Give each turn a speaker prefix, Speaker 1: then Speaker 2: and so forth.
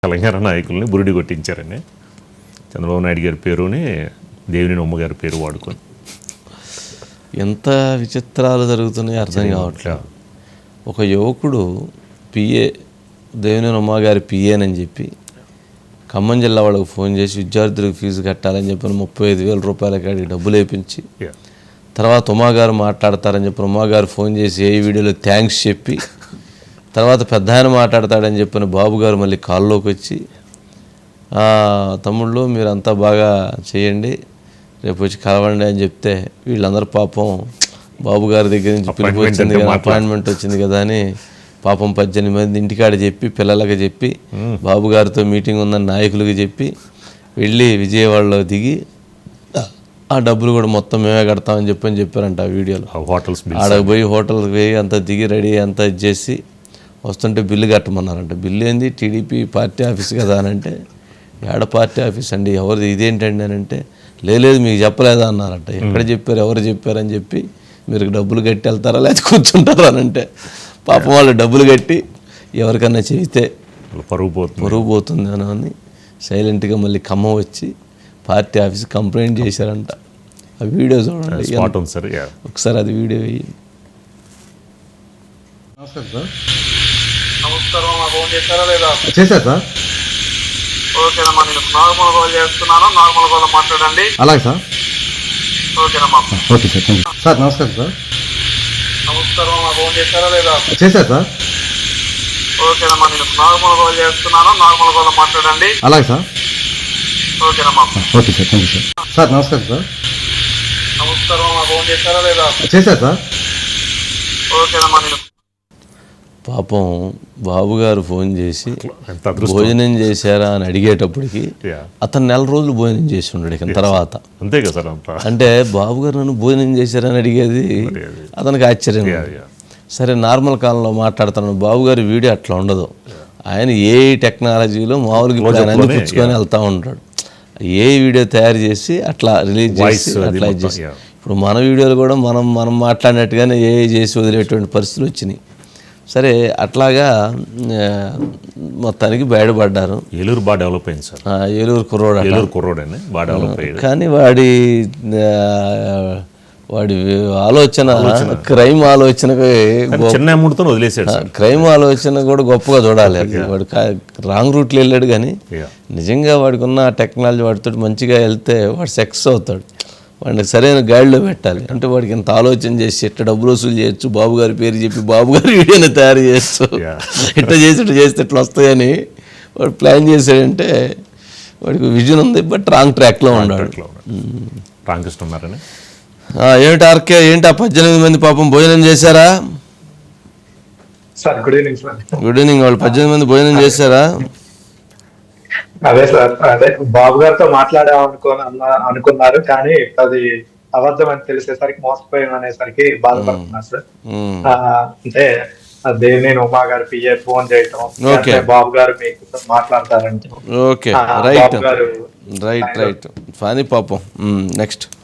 Speaker 1: తెలంగాణ నాయకుల్ని బురిడి కొట్టించారని చంద్రబాబు నాయుడు గారి పేరుని దేవినేని ఉమ్మ గారి పేరు వాడుకొని
Speaker 2: ఎంత విచిత్రాలు జరుగుతున్నాయి అర్థం కావట్లేదు. ఒక యువకుడు పిఏ దేవినేని ఉమ్మ గారి పిఏనని చెప్పి ఖమ్మం జిల్లా వాళ్ళకు ఫోన్ చేసి విద్యార్థులకు ఫీజు కట్టాలని చెప్పిన 35,000 రూపాయల కాడికి డబ్బులు వేయించి తర్వాత ఉమాగారు మాట్లాడతారని చెప్పిన ఉమాగారు ఫోన్ చేసి ఏ వీడియోలో థ్యాంక్స్ చెప్పి తర్వాత పెద్ద ఆయన మాట్లాడతాడని చెప్పిన బాబు గారు మళ్ళీ కాల్లోకి వచ్చి తమ్ముళ్ళు మీరంతా బాగా చేయండి రేపు వచ్చి కలవండి అని చెప్తే వీళ్ళందరూ పాపం బాబు గారి దగ్గర నుంచి పిలుపు వచ్చింది కదా, అపాయింట్మెంట్ వచ్చింది కదా అని పాపం 18 మంది ఇంటికాడ చెప్పి పిల్లలకి చెప్పి బాబు గారితో మీటింగ్ ఉందని నాయకులకి చెప్పి వెళ్ళి విజయవాడలో దిగి ఆ డబ్బులు కూడా మొత్తం మేమే కడతామని చెప్పారంట ఆ వీడియోలో. ఆడకు పోయి హోటల్కి పోయి అంతా దిగి రెడీ అంతా ఇచ్చేసి వస్తుంటే బిల్లు కట్టమన్నారంట. బిల్లు ఏంది టీడీపీ పార్టీ ఆఫీస్ కదా అని అంటే ఏడ పార్టీ ఆఫీస్ అండి ఎవరిది ఇదేంటండి అని అంటే లేదు మీకు చెప్పలేదా అన్నారంట. ఎక్కడ చెప్పారు ఎవరు చెప్పారని చెప్పి మీరు డబ్బులు కట్టి వెళ్తారా లేకపోతే కూర్చుంటారా అని అంటే పాపం వాళ్ళు డబ్బులు కట్టి ఎవరికన్నా చెబితే పరుగు పోతుంది అని సైలెంట్గా మళ్ళీ ఖమ్మం వచ్చి పార్టీ ఆఫీస్ కంప్లైంట్ చేశారంట. ఆ వీడియో చూడండి ఒకసారి, అది వీడియో వేయండి.
Speaker 3: చేశారు సార్.
Speaker 4: ఓకేనమ్మా, నేను నార్మల్ కాల్ చేస్తున్నాను, నార్మల్ కాల్ మాట్లాడండి.
Speaker 3: అలాగే సార్.
Speaker 4: ఓకేనమ్మా.
Speaker 3: Okay sir, thank you sir. నమస్కారం సార్.
Speaker 4: నమస్కారం అమ్మా, ఫోన్ చేశారా లేదా?
Speaker 3: చేశారు సార్.
Speaker 4: ఓకేనమ్మా, నేను నార్మల్ కాల్ చేస్తున్నాను, నార్మల్ కాల్ మాట్లాడండి.
Speaker 3: అలాగే సార్.
Speaker 4: ఓకేనమ్మా.
Speaker 3: Okay sir, thank you sir. Sir నమస్కారం సార్.
Speaker 4: నమస్కారం అమ్మా, ఫోన్ చేశారా లేదా?
Speaker 3: చేశారు సార్.
Speaker 4: ఓకేనమ్మా. నేను
Speaker 2: పాపం బాబు గారు ఫోన్ చేసి భోజనం చేశారా అని అడిగేటప్పటికి అతను 4 రోజులు భోజనం చేసి ఉన్నాడు. ఇక తర్వాత
Speaker 1: అంతే కదా సార్.
Speaker 2: అంటే బాబు గారు నన్ను భోజనం చేశారని అడిగేది అతనికి ఆశ్చర్యం. సరే నార్మల్ కాలంలో మాట్లాడుతున్నాను, బాబు గారి వీడియో అట్లా ఉండదు. ఆయన ఏ టెక్నాలజీలో మామూలుగా అందిపుచ్చుకొని వెళ్తూ ఉంటాడు. ఏ వీడియో తయారు చేసి అట్లా రిలీజ్ చేసి అట్లా చేసి ఇప్పుడు మన వీడియోలు కూడా మనం మాట్లాడినట్టుగానే ఏ చేసి వదిలేటువంటి పరిస్థితులు వచ్చినాయి. సరే అట్లాగా మొత్తానికి బయటపడ్డారు.
Speaker 1: ఏలూరు బాగా డెవలప్ అయింది సార్.
Speaker 2: ఏలూరు
Speaker 1: కుర్రోడని బాగా డెవలప్ అయ్యాడు.
Speaker 2: కానీ వాడి ఆలోచన క్రైమ్ ఆలోచనకి
Speaker 1: చిన్న అమౌంట్తో వదిలేసాడు.
Speaker 2: క్రైమ్ ఆలోచన కూడా గొప్పగా చూడాలి. వాడు రాంగ్ రూట్లో వెళ్ళాడు కానీ నిజంగా వాడికి ఉన్న టెక్నాలజీ వాడితో మంచిగా వెళ్తే వాడు సక్సెస్ అవుతాడు. వాడిని సరైన గైడ్లో పెట్టాలి. అంటే వాడికి ఇంత ఆలోచన చేసి ఇట్లా డబ్బులు వసూలు చేయొచ్చు, బాబు గారి పేరు చెప్పి బాబు గారి వీడియోని తయారు చేయొచ్చు, ఇట్లా చేస్తే ఇట్లా వస్తాయని వాడు ప్లాన్ చేశాడంటే వాడికి విజన్ ఉంది. బట్ రాంగ్ ట్రాక్లో ఉన్నాడు. ఏమిటి ఆర్కే, ఏంటి ఆ 18 మంది పాపం భోజనం చేశారా?
Speaker 4: Good evening sir.
Speaker 2: Good evening. వాళ్ళు 18 మంది భోజనం చేశారా?
Speaker 4: అదే సార్, అదే బాబు గారితో అనుకున్నారు కానీ అది అబద్ధం అని తెలిసేసరికి మోసపోయాను అనేసరికి బాధపడుతున్నారు సార్. అంటే దేవినేని ఉమా గారు పిఏ ఫోన్ చేయటం, బాబు గారు మీకు మాట్లాడతారంటే
Speaker 2: ఓకే రైట్ ఫనీ పాపం. నెక్స్ట్